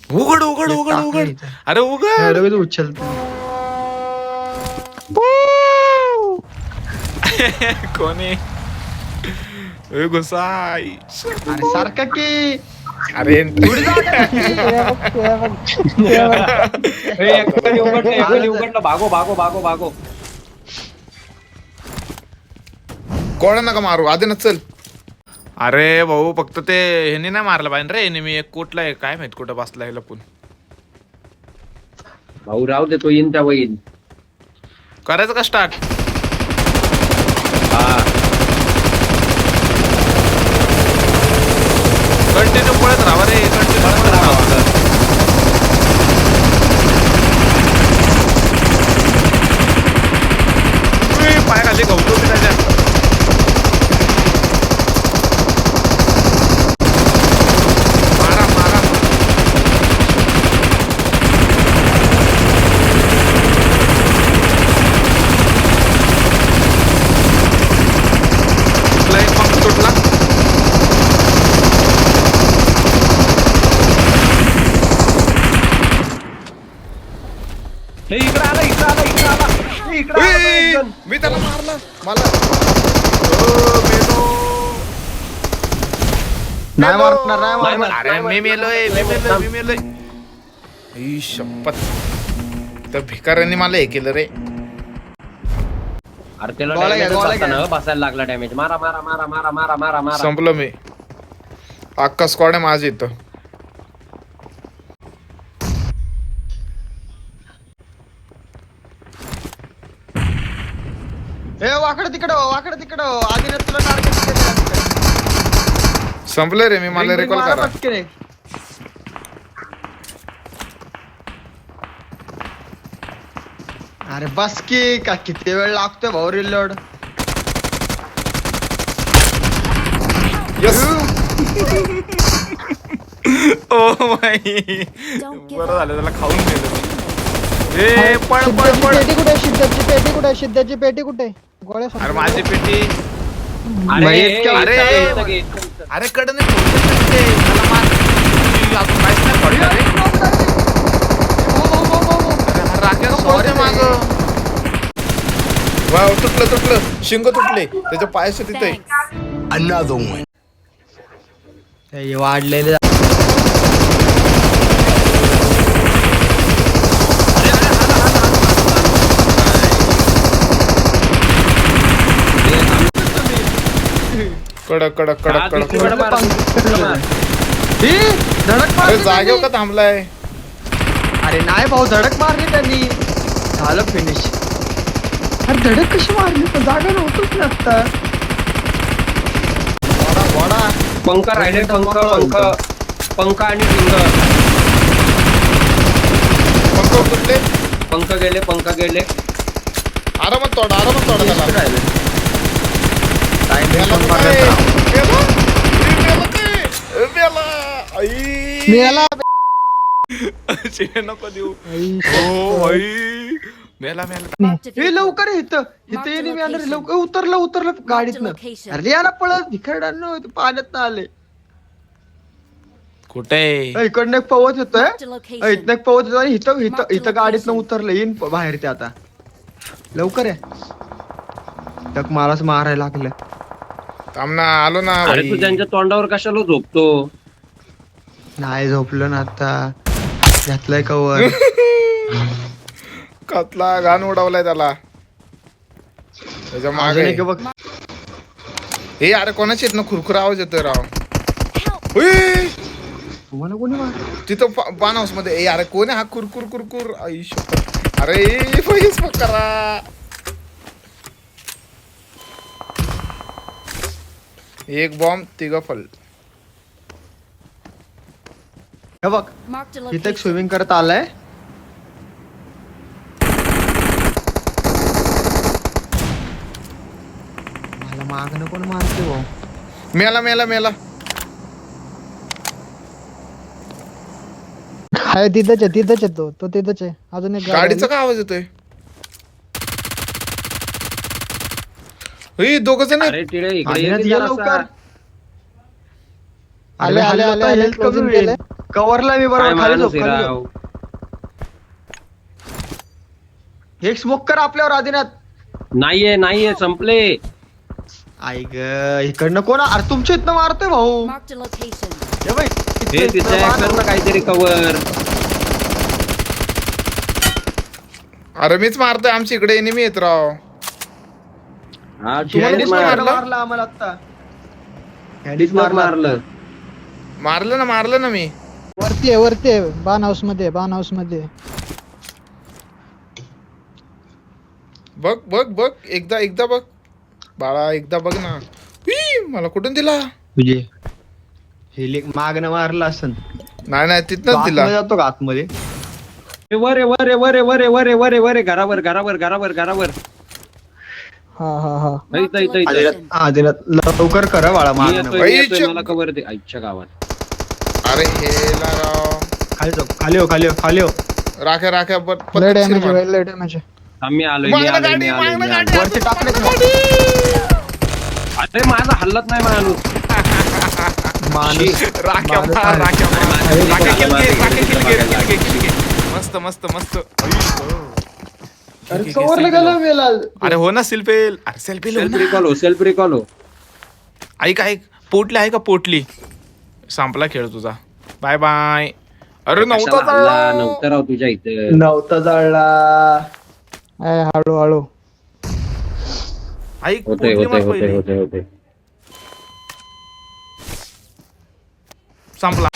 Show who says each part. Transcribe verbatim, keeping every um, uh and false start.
Speaker 1: उघड उघड उघड उघड. अरे उघड.
Speaker 2: लगेच उचलतो.
Speaker 1: कोणी घुसाई.
Speaker 2: अरे सारखा की.
Speaker 1: अरे
Speaker 3: उघडलं. भागो भागो भागो भागो.
Speaker 1: कोणा नका मारू आधी ना चल. अरे भाऊ फक्त ते ह्यानी नाही मारलं पाहिजे रे. ह्यानी मी एक कुठला आहे काय माहित कुठं बसला आहे लपून.
Speaker 3: भाऊ राहू दे तो येईन त्या वहीन.
Speaker 1: करायचं का स्टार्ट.
Speaker 3: हा
Speaker 1: कंटिन्यू पळत राहा रे. कंटिन्यू पळत राहा. पाय खाली गवतो मी त्याच्या. मारा मारा. तुला एक पंख तुटला.
Speaker 3: हे इकडे आला इकडे आला इकडे आला इकडे आला.
Speaker 1: मी त्याला मारला. मला ओ, मेलो.
Speaker 2: नाही मारणार नाही मारणार.
Speaker 1: अरे मी मेलोय मी मेलोय मी मेलोय. ई शपथ. त्या भिकाऱ्यांनी मला हे केलं रे.
Speaker 3: अरे त्याला
Speaker 2: गोळा घ्या,
Speaker 3: damage
Speaker 2: गोळा
Speaker 3: बसताना
Speaker 2: घ्या.
Speaker 3: बसायला लागला डॅमेज. मारा मारा मारा मारा मारा मारा मारा.
Speaker 1: संपलं मी. अख्खा स्क्वॉड आहे माझ्या इथं.
Speaker 2: ए वाकडं तिकडं वाकडं तिकडं. आधी तुला टार्गेट
Speaker 1: संपलं रे मी. मला रिकॉल करा.
Speaker 2: अरे बस की का किती वेळ लागतोय भाऊ रिलोड.
Speaker 1: यस. Oh my. बरं झालं त्याला खाऊन गेलं. ए पळ पळ पळ.
Speaker 4: पेटी कुठे शिद्धाची पेटी कुठे शिद्धाची पेटी कुठे गोळ्या
Speaker 1: अरे माझी पेटी.
Speaker 3: अरे
Speaker 2: मग
Speaker 3: हे,
Speaker 2: इतक्या-
Speaker 3: हे,
Speaker 1: अरे,
Speaker 3: हे, इथं घे, इथं घे.
Speaker 1: अरे कडने त्याला मार. मी अजून काहीच नाही पडलं रे. अरे हा राख्या सोडते माग. वाव तुटलं तुटलं. शिंग तुटले त्याच्या पायाच्या तिथे.
Speaker 2: हे वाढलेले.
Speaker 1: कडक कडक कडक
Speaker 3: हा,
Speaker 1: कडक
Speaker 3: दुसरीकडे मार, दुसरीकडे मार.
Speaker 2: ही, धडक
Speaker 1: अरे
Speaker 2: मारली
Speaker 1: जागेवर का
Speaker 2: त्यांनी.
Speaker 1: थांबलाय.
Speaker 2: अरे नाही भाऊ धडक मारली त्यांनी. झालं फिनिश. अरे धडक कशी मारली पण जागा नव्हतच ना आता. वडा वडा.
Speaker 3: पंख राहिले. पंख पंख पंख आणि पिंग.
Speaker 1: पंख तुटले.
Speaker 3: पंख गेले पंख गेले.
Speaker 1: आरामात तोडा आरामात तोडा त्याला.
Speaker 2: राहिलं.
Speaker 1: मेला तो काय? मेला? ए, मेला काय? ए, मेला. आई.
Speaker 4: मेला
Speaker 1: शिव्या नको देऊ. ओ आई. मेला मेला.
Speaker 2: हे लवकर इथं इथं येणे मी आलं लवकर. उतरलं उतरलं गाडीतनं. अरे याला पळत भिखरडांनो पाण्यात आले.
Speaker 1: कुठे.
Speaker 2: इकडनं एक पवत येतोय. इथनं एक पवत येतो आणि इथं इथं इथं गाडीतनं उतरलं. येईन प- बाहेर ते आता. लवकर आहे. टक माराच मारायला लागलं.
Speaker 1: थांब ना आलो ना
Speaker 3: अरे
Speaker 1: भाई.
Speaker 3: तू त्यांच्या तोंडावर कशाला झोपतो.
Speaker 2: नाही झोपलं ना आता. घातलंय कवर.
Speaker 1: कतला घाण उडवलाय त्याला. त्याच्या
Speaker 2: अजून
Speaker 1: मागे.
Speaker 2: एक बघ.
Speaker 1: हे अरे कोणाची येत ना खुरखुर आवाज येतोय राव. उई.
Speaker 2: तुम्हाला कोणी मार.
Speaker 1: तिथं पान हाऊस मध्ये. ए अरे कोण आहे हा कुरकुर कुरकुर. आई शपथ. अरे पैस करा. एक बॉम्ब तिघ फल.
Speaker 2: हे बघ इथं एक स्विमिंग करत आलाय. मला मागणं कोण मारते भाऊ.
Speaker 1: मेला मेला मेला.
Speaker 4: हाय तिथंच आहे तिथंच आहे तो तो तिथंच आहे. अजून एक गाडी
Speaker 1: गाडीचा
Speaker 4: आली.
Speaker 1: काय आवाज येतोय. हे दोघ जण आहेत.
Speaker 3: अरे टिळे इकडे
Speaker 2: आधी
Speaker 3: ये
Speaker 2: ना
Speaker 3: की
Speaker 2: दिया
Speaker 3: जरासा.
Speaker 2: लवकर.
Speaker 4: आले आले आले आले
Speaker 2: हेल्थ
Speaker 4: closing
Speaker 2: कमी होईल.
Speaker 4: केलंय.
Speaker 2: कव्हरला मी
Speaker 3: काय
Speaker 2: बरोबर खाली
Speaker 3: माणूस
Speaker 2: झोप
Speaker 3: आहे
Speaker 2: खाली
Speaker 3: राव.
Speaker 2: झोप. एक स्मोक कर आपल्यावर आदिनाथ.
Speaker 3: नाहीये नाहीये संपले.
Speaker 2: आई ग इकडनं कोण अरे तुमच्या इथनं मारतोय भाऊ.
Speaker 5: Marked a location.
Speaker 2: हे बाई,
Speaker 3: हे
Speaker 2: इथनं-
Speaker 3: तिथे
Speaker 2: इथनं मार.
Speaker 3: कर ना काहीतरी कवर.
Speaker 1: अरे मीच मारतोय, आमच्या इकडे एनिमी येत राव.
Speaker 3: हा
Speaker 2: तुम्हाला
Speaker 3: शेडीच
Speaker 2: कोणी
Speaker 3: मारलं
Speaker 2: मारलं आम्हाला आता.
Speaker 3: शेडीच मारलं.
Speaker 1: मारलं ना मारलं ना मी.
Speaker 4: वरती आहे वरती आहे बान हाऊस मध्ये आहे, बान हाऊस मध्ये आहे.
Speaker 1: बघ बघ बघ एकदा एकदा बघ बाळा, एकदा बघ ना. हुई, मला कुठून दिला?
Speaker 2: तुझे हे लेक मागणं मारलं असन.
Speaker 1: नाही नाही
Speaker 2: तो
Speaker 1: तिथनच दिला.
Speaker 2: आतमध्ये जातो का आतमध्ये?
Speaker 3: ए, वर आहे, वर आहे, वर आहे, वर आहे, वर आहे, वर आहे, वर आहे, घरावर घरावर घरावर घरावर.
Speaker 4: हा हा हा
Speaker 3: इथं, इथं, इथं.
Speaker 2: आदिनाथ आदिनाथ लवकर करा बाळा
Speaker 3: मी
Speaker 2: मागणं.
Speaker 3: येतोय, मी येतोय,
Speaker 1: आईच्या-
Speaker 3: मला कवर दे आईच्या गावात.
Speaker 1: अरे हेला राव.
Speaker 2: खाली जाऊ खाली हो खाली हो खाली हो.
Speaker 1: राख्या राख्या ब-
Speaker 4: लय
Speaker 1: पद्धतशीर
Speaker 4: डॅमेज
Speaker 1: मार.
Speaker 4: आहे लय डॅमेज आहे.
Speaker 3: आम्ही आलोय मी
Speaker 1: मागणं
Speaker 3: आलोय मी
Speaker 1: गाडी,
Speaker 3: आलोय मी
Speaker 1: मागणं
Speaker 3: आलोय.
Speaker 1: गाडी.
Speaker 2: वरती टाकले
Speaker 3: अरे माझा हल्लत नाही माणूस.
Speaker 2: माणूस
Speaker 1: राख्या
Speaker 2: माणूस
Speaker 1: मार,
Speaker 2: आहे.
Speaker 1: राख्या मार.
Speaker 3: अरे,
Speaker 1: राख्या किल घे,
Speaker 3: मार,
Speaker 1: राख्या किल घे,
Speaker 3: मार,
Speaker 1: किल घे, किल घे. मस्त मस्त मस्त.
Speaker 2: अरे कवरला गेला मेला.
Speaker 1: अरे हो ना सिल्पेल. अरे सेल्फी
Speaker 3: सेल्फ रिकॉल हो सेल्फ रिकॉल हो.
Speaker 1: ऐक ऐक पोटली आहे का पोटली? संपला खेळ तुझा. Bye bye. अरे नव्हता
Speaker 3: कशाला हल्ला
Speaker 1: चालला.
Speaker 3: नव्हतं राव तुझ्या इथं.
Speaker 2: नव्हता जळला.
Speaker 4: आहे हळू हळू.
Speaker 1: ऐक
Speaker 3: होते
Speaker 1: पोटली
Speaker 3: होते
Speaker 1: मार
Speaker 3: होते
Speaker 1: पहिली.
Speaker 3: होते होते.
Speaker 1: संपला.